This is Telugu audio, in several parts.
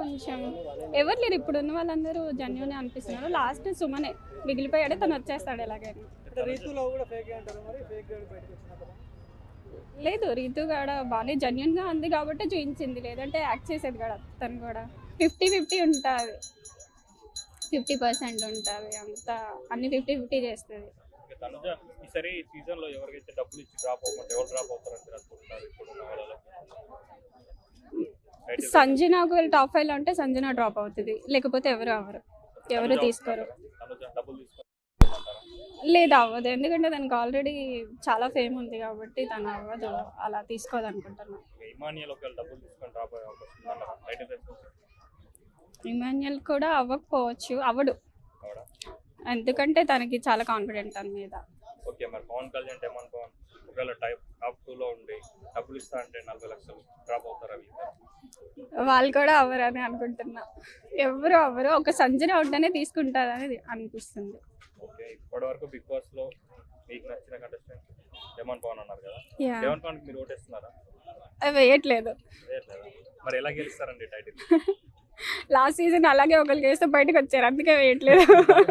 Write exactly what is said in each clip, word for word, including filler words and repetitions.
కొంచెం ఎవరు లేరు, ఇప్పుడు ఉన్న వాళ్ళందరూ జెన్యూన్ అనిపిస్తున్నారు. లాస్ట్ సుమనే మిగిలిపోయాడు, తను వచ్చేస్తాడు ఎలాగైనా. లేదు, రీతు కూడా బాగానే జెన్యూన్గా ఉంది కాబట్టి చూపించింది, లేదంటే యాక్ట్ చేసేది కూడా. తను కూడా ఫిఫ్టీ ఫిఫ్టీ ఉంటుంది, ఫిఫ్టీ పర్సెంట్ ఉంటుంది, అంతా అన్ని ఫిఫ్టీ ఫిఫ్టీ చేస్తుంది. సంజన ఒకవేళ టాప్ ఫైవ్ లో ఉంటే సంజన డ్రాప్ అవుతుంది, లేకపోతే ఎవరు అవ్వరు, ఎవరు తీసుకోరు. లేదు అవ్వదు, ఎందుకంటే దానికి ఆల్రెడీ చాలా ఫేమ్ ఉంది కాబట్టి తను అవ్వదు, అలా తీసుకోదు అనుకుంటున్నాను. ఇమాన్యుయల్ కూడా అవ్వకపోవచ్చు, అవ్వడు, ఎందుకంటే తనకి చాలా కాన్ఫిడెంట్ తన మీద. ఓకే, మరి పవన్ కళ్యాణ్ డెమాన్ పవన్ ఒకవేళ టైప్ టాప్ టూ లో ఉండి డబ్బులు ఇస్తా అంటే నలభై లక్షలు డ్రాప్ అవుతారు అవి? వాళ్ళు కూడా అవ్వరని అనుకుంటున్నా, ఎవరు అవ్వరు, ఒక సంజన ఉంటేనే తీసుకుంటారని అనిపిస్తుంది. ఓకే, ఇప్పటి వరకు బిగ్ బాస్ లో మీకు నచ్చిన కంటెస్టెంట్ డెమాన్ పవన్ అన్నారు కదా, డెమాన్ పవన్ మీరు ఓటేస్తున్నారా? వేయట్లేదు. మరి ఎలా గెలుస్తారండి టైటిల్? లాస్ట్ సీజన్ అలాగే ఒకరికి వేస్తే బయటకు వచ్చారు, అందుకే వేయట్లేదు.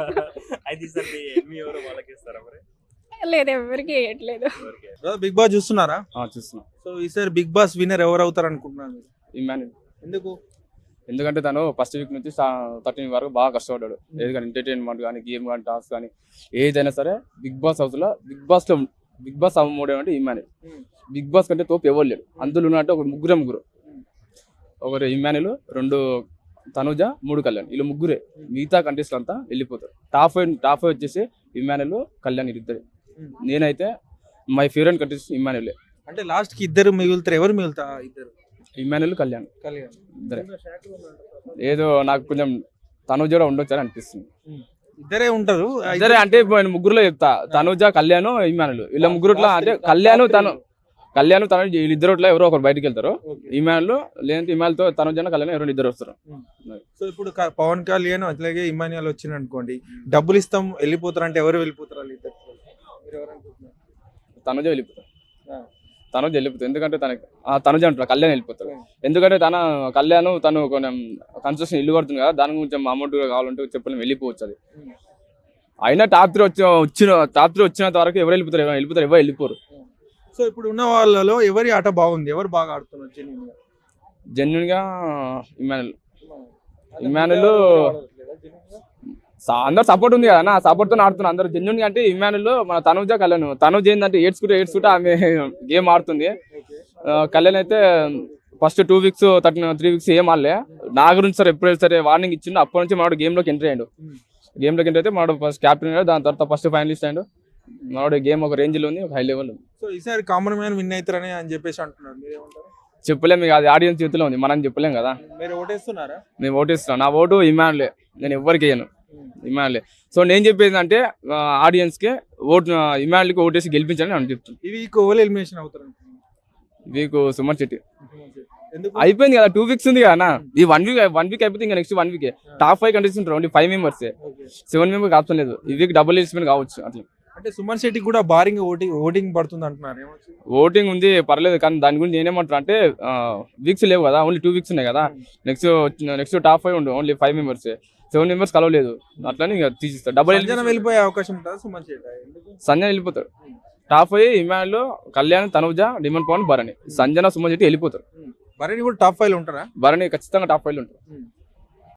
లేదు, ఎవరికి వేయట్లేదు. బిగ్ బాస్ చూస్తున్నారా? చూస్తున్నా. సో ఈసారి బిగ్ బాస్ విన్నర్ ఎవరు అవుతారు అనుకుంటున్నారు? ఇమాన్యుయల్. ఎందుకు? ఎందుకంటే తను ఫస్ట్ వీక్ నుంచి థర్టీన్ వరకు బాగా కష్టపడ్డాడు, ఏది ఎంటర్టైన్మెంట్ కానీ గేమ్ కానీ టాస్క్ కానీ ఏదైనా సరే. బిగ్ బాస్ హౌస్ లో బిగ్ బాస్ లో బిగ్ బాస్ అమ్మోడే అంటే ఇమాన్యుయల్. బిగ్ బాస్ కంటే తోపు ఎవరు లేడు, అందులో ఉన్నట్టు ఒక ముగ్గురే ముగ్గురు, ఒకరు ఇమాన్యుయల్, రెండు తనుజ, మూడు కళ్యాణ్, వీళ్ళు ముగ్గురే. మిగతా కంటెస్ట్లు అంతా వెళ్ళిపోతారు. టాప్ ఫైవ్ టాప్ ఫైవ్ వచ్చేసి ఇమాన్యుయల్, కళ్యాణ్ ఇద్దరు. నేనైతే మై ఫేవరెట్ కంటెస్టెంట్ ఇమాన్యుయల్. అంటే లాస్ట్ కి ఇద్దరు మిగులుతారు, ఎవరు మిగులుతా? ఇద్దరు, ఇమాన్యుయల్, కళ్యాణ్ కళ్యాణ్ ఇద్దరే. ఏదో నాకు కొంచెం తనుజ కూడా ఉండొచ్చు అని అనిపిస్తుంది. ఇద్దరే ఉంటారు, ఇద్దరే అంటే నేను ముగ్గురులో చెప్తా, తనుజ, కళ్యాణ్, ఇమాన్యుయల్. వీళ్ళ ముగ్గురుట్లా అంటే కళ్యాణ్ తను కళ్యాణ్ తను వీళ్ళిద్దరుట్లో ఎవరో ఒకరు బయటకు వెళ్తారు. ఇమాన్యుల్ లేదంటే ఇమాన్యుల్తో తనుజ, కళ్యాణ్ ఎవరు ఇద్దరు వస్తారు. సో ఇప్పుడు పవన్ కళ్యాణ్ అట్లాగే ఇమాన్యుయల్ వచ్చింది అనుకోండి, డబ్బులు ఇస్తాం వెళ్ళిపోతారు అంటే ఎవరు వెళ్ళిపోతారు? తనుజ వెళ్ళిపోతారు, తనుజ వెళ్ళిపోతారు. ఎందుకంటే తనకి తనుజ అంటారు, కళ్యాణ్ వెళ్ళిపోతారు. ఎందుకంటే తన కళ్యాణ్ తను కొంచెం కన్స్ట్రక్షన్ ఇల్లు కడుతుంది కదా, దాని కొంచెం అమౌంట్ కావాలంటే చెప్పలేము, వెళ్ళిపోవచ్చు. అది అయినా టాప్ త్రీ వచ్చి వచ్చిన టాప్ త్రీ వచ్చినంత వరకు ఎవరు వెళ్ళిపోతారు, ఎవరు వెళ్ళిపోతారు, ఎవరు వెళ్ళిపోరు. సో ఇప్పుడు ఉన్న వాళ్ళలో ఎవరి ఆట బాగుంది, ఎవరు బాగా ఆడుతున్నారు జెన్యున్ గా? జెన్యున్ గా ఇమాన్యుయల్. ఇమాన్యుయల్ అందరు సపోర్ట్ ఉంది కదా, సపోర్ట్ తో ఆడుతున్నారు అందరు జెన్యున్ గా. అంటే ఇమాన్యుయల్ మన తనుజ, కళ్యాణ్. తనుజ ఏంటంటే ఏడ్చుకుంటే ఏడ్చుకుంటే ఆమె గేమ్ ఆడుతుంది. కళ్యాణ్ అయితే first two weeks thirty three weeks ఏం ఆడలే. నా గురించి సార్ ఎప్పుడు సరే వార్నింగ్ ఇచ్చిండు, అప్పటి నుంచి మనోడు గేమ్ లోకి ఎంటర్ అయ్యాడు. గేమ్ లోకి ఎంటర్ అయితే మనోడు ఫస్ట్ క్యాప్టెన్ అయ్యాడు, దాని తర్వాత ఫస్ట్ ఫైనలిస్ట్ అయ్యాడు. మనోడు గేమ్ ఒక రేంజ్ లో ఉంది, ఒక హై లెవెల్ ఉంది. సో ఈసారి కామన్ మ్యాన్ విన్ అవుతారని అని చెప్పేసి అంటున్నారు, చెప్పలేము, అది ఆడియన్స్ చేతిలో ఉంది, మనం చెప్పలేం కదా. మీరు ఓటేస్తున్నారా? మేము ఓటేస్తున్నాం, నా ఓటు ఇమాన్యుయల్, నేను ఎవరికి వేయను, ఇమాన్యుయల్. సో నేను చెప్పేది అంటే ఆడియన్స్ కి ఓటు ఇమాన్యుయల్ కి ఓటేసి గెలిపించాలని నేను చెప్తున్నాను. ఈ వీక్ ఓవర్ ఎలిమినేషన్ అవుతారు? వీక్ సుమన్ శెట్టి అయిపోయింది కదా, టూ వీక్స్ ఉంది కదా. ఈ వన్ వీక్ వన్ వీక్ అయిపోతే ఇంకా next one week top five contestant only five members, seven members option లేదు. ఈ వీక్ డబుల్ ఎలిమినేషన్ కావచ్చు. అట్లా అంటే సుమన్ శెట్టి కూడా భారీగా ఓటింగ్ ఓటింగ్ పడుతుంది అంటున్నారు. ఓటింగ్ ఉంది, పర్లేదు. కానీ దాని గురించి నేనేమంటారు అంటే వీక్స్ లేవు కదా, ఓన్లీ టూ వీక్స్ ఉన్నాయి కదా. నెక్స్ట్ నెక్స్ట్ టాప్ ఫైవ్ ఉండు, only five members, seven members కలవలేదు. అట్లని తీసిస్తారు. డబుల్ వెళ్ళిపోయే అవకాశం ఉంటుంది సుమన్ శెట్టి. సంజన వెళ్ళిపోతారు. Top five Emmanuel, Kalyan, Tanuja, Demon Pavan, Bharani. Sanjana, Suman Shetty వెళ్ళిపోతారు. భరణి కూడా టాప్ ఫైవ్ లో ఉంటారా? భరణి ఖచ్చితంగా టాప్ ఫైవ్ లో ఉంటారు.